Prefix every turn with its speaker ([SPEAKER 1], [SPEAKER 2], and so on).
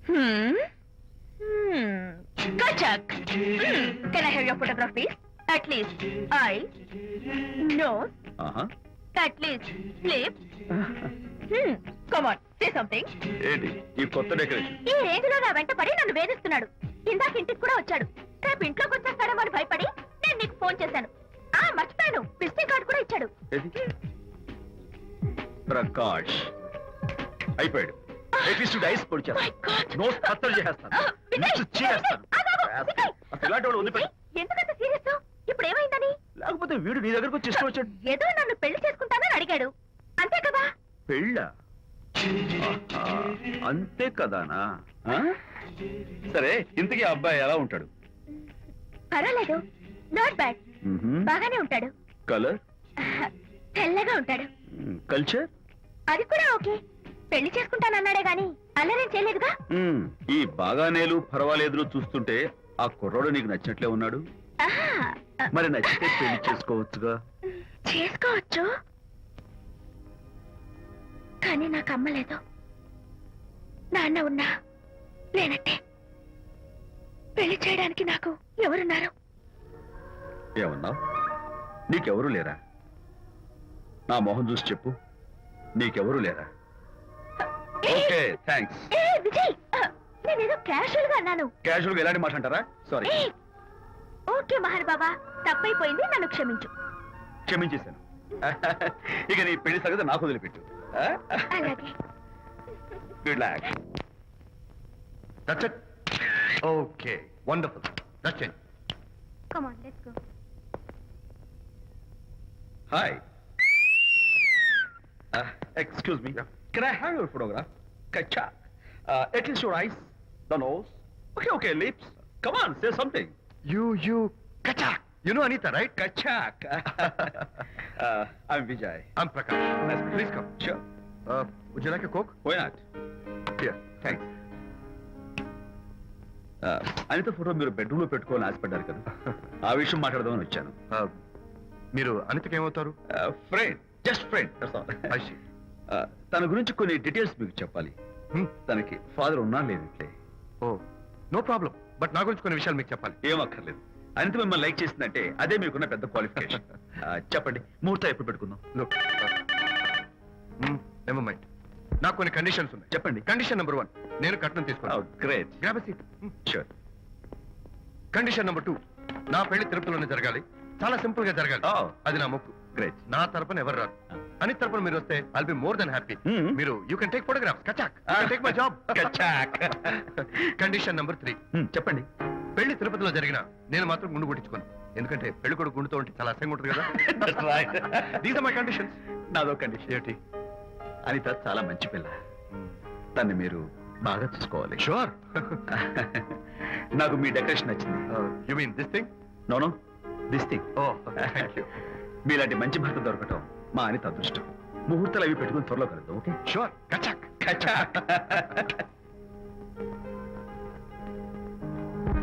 [SPEAKER 1] Kachak. Can I have your photograph, please? At least eyes, nose, at least lips. Come on, say something.
[SPEAKER 2] ఏంటి ఈ కొత్త decoration?
[SPEAKER 1] ఈ range లో నా వెంట పడి నన్ను వేధిస్తున్నాడు. ఇందాక ఇంటికి కూడా వచ్చాడు. రేపు ఇంట్లోకి వచ్చేస్తాడేమో అని భయపడి నేను నీకు ఫోన్ చేశాను. మర్చిపోయాను, విజిటింగ్ కార్డు కూడా ఇచ్చాడు.
[SPEAKER 2] ప్రకాష్ అయిపోయాడు. ఐస్ పొడి చేస్తాను, నోట్ కత్తలు చేస్తాను,
[SPEAKER 1] ఎందుకంత సీరియస్? ఇప్పుడు ఏమైందని?
[SPEAKER 2] లేకపోతే వీడు నీ దగ్గరకు వచ్చి ఇష్టం వచ్చాడు.
[SPEAKER 1] ఏదో నన్ను పెళ్లి చేసుకుంటానని అడిగాడు, అంతే కదా?
[SPEAKER 2] పెళ్ళ అంతే కదానా? సరే, ఇంతకీ ఆ అబ్బాయి ఎలా ఉంటాడు?
[SPEAKER 1] పర్వాలేదు, నాట్ బ్యాడ్, బాగానే ఉంటాడు.
[SPEAKER 2] కలర్?
[SPEAKER 1] తెల్లగా ఉంటాడు.
[SPEAKER 2] కల్చర్?
[SPEAKER 1] అది కూడా ఓకే. పెళ్లి చేసుకుంటానన్నాడే గాని అల్లరేం చేయలేదుగా.
[SPEAKER 2] ఈ బాగానేలు పర్వాలేదు చూస్తుంటే ఆ కుర్రోడు నీకు నచ్చినట్లే ఉన్నాడు. మరి నచ్చితే పెళ్లి చేసుకోవచ్చుగా.
[SPEAKER 1] చేసుకోవచ్చు, కానీ నాకు అమ్మలేదు. నాన్న ఉన్నా లేనట్టే. పెళ్లి చేయడానికి నాకు ఎవరున్నారు?
[SPEAKER 2] ఏమన్నావు? నీకెవరూ లేరా? నా మొహం చూసి చెప్పు, నీకెవరూ లేరా? Okay, thanks.
[SPEAKER 1] విజయ్, నేనేదో క్యాషువల్ గా అన్నాను.
[SPEAKER 2] క్యాషువల్ గా ఎలాంటి మాట అంటారా? సారీ.
[SPEAKER 1] ఓకే మహర్ బాబా, తప్పైపోయింది, నన్ను క్షమించు.
[SPEAKER 2] క్షమించేశాను. ఇక నీ పెళ్లి సంగతి నాకు వదిలిపెట్టు.
[SPEAKER 1] అలాగే.
[SPEAKER 2] Good luck.
[SPEAKER 3] That's it. Okay, wonderful. That's it.
[SPEAKER 1] Come on, let's go.
[SPEAKER 2] Hi. Excuse me. Can I have your photograph? Kachak. At least your eyes, the nose. Okay, lips. Come on, say something.
[SPEAKER 3] You, Kachak. You know Anita, right?
[SPEAKER 2] Kachak. I'm Vijay.
[SPEAKER 3] I'm Prakash.
[SPEAKER 2] Nice.
[SPEAKER 3] Please come.
[SPEAKER 2] Sure.
[SPEAKER 3] Would you like a Coke?
[SPEAKER 2] Why not?
[SPEAKER 3] Here, thanks.
[SPEAKER 2] Anitha photo మీరు bedroom లో పెట్టుకోవాలని ఆశపడ్డారు కదా, ఆ విషయం మాట్లాడదామని వచ్చాను.
[SPEAKER 3] మీరు అనితకి ఏమవుతారు?
[SPEAKER 2] Friend, just friend. తన గురించి కొన్ని డీటెయిల్స్ మీకు చెప్పాలి. తనకి ఫాదర్ ఉన్నా లేదంటే.
[SPEAKER 3] ఓ, నో ప్రాబ్లం. బట్ నా గురించి కొన్ని విషయాలు మీకు చెప్పాలి.
[SPEAKER 2] ఏం అక్కర్లేదు. అనిత మిమ్మల్ని లైక్ చేసిందంటే అదే మీకున్న పెద్ద క్వాలిఫికేషన్. చెప్పండి, ముహూర్తం ఎప్పుడు పెట్టుకుందాం?
[SPEAKER 3] Never mind. నాకు కొన్ని కండిషన్స్ ఉన్నాయి.
[SPEAKER 2] చెప్పండి.
[SPEAKER 3] కండిషన్ నెంబర్ 1, నేను కట్నం తీసుకున్నాను.
[SPEAKER 2] Great.
[SPEAKER 3] Grab a seat.
[SPEAKER 2] Sure.
[SPEAKER 3] Condition number 2, నా పెళ్లి తిరుపతిలోనే జరగాలి. చాలా సింపుల్ గా జరగాలి. అది నా మొక్కు.
[SPEAKER 2] గ్రేట్.
[SPEAKER 3] నా తరపున ఎవరు రాదు. అని తరపున మీరు వస్తే I'll be more then happy. మీరు యూ కెన్ టేక్ ఫోటోగ్రాఫ్స్. కచాక్. Take my job.
[SPEAKER 2] కచాక్.
[SPEAKER 3] కండిషన్ నెంబర్ 3,
[SPEAKER 2] చెప్పండి.
[SPEAKER 3] పెళ్లి తిరుపతిలో జరిగిన నేను మాత్రం గుండు కొట్టించుకోను. ఎందుకంటే పెళ్లి కొడుకు గుండుతో ఉంటే చాలా అసహ్యంగా ఉంటుంది కదా. These are my conditions.
[SPEAKER 2] నాదో కండిషన్.
[SPEAKER 3] ఏంటి?
[SPEAKER 2] అనిత చాలా మంచి పిల్ల, తన్ని మీరు బాగా చూసుకోవాలి.
[SPEAKER 3] షూర్.
[SPEAKER 2] నాకు మీ డెకరేషన్ నచ్చింది.
[SPEAKER 3] You mean this thing?
[SPEAKER 2] No, this thing.
[SPEAKER 3] Oh, thank you.
[SPEAKER 2] మీలాంటి మంచి భర్త దొరకటం మా అనిత అదృష్టం. ముహూర్తాలు అవి పెట్టుకుని త్వరలో కలుద్దాం. ఓకే?
[SPEAKER 3] షూర్. కచాక్.
[SPEAKER 2] కచాక్.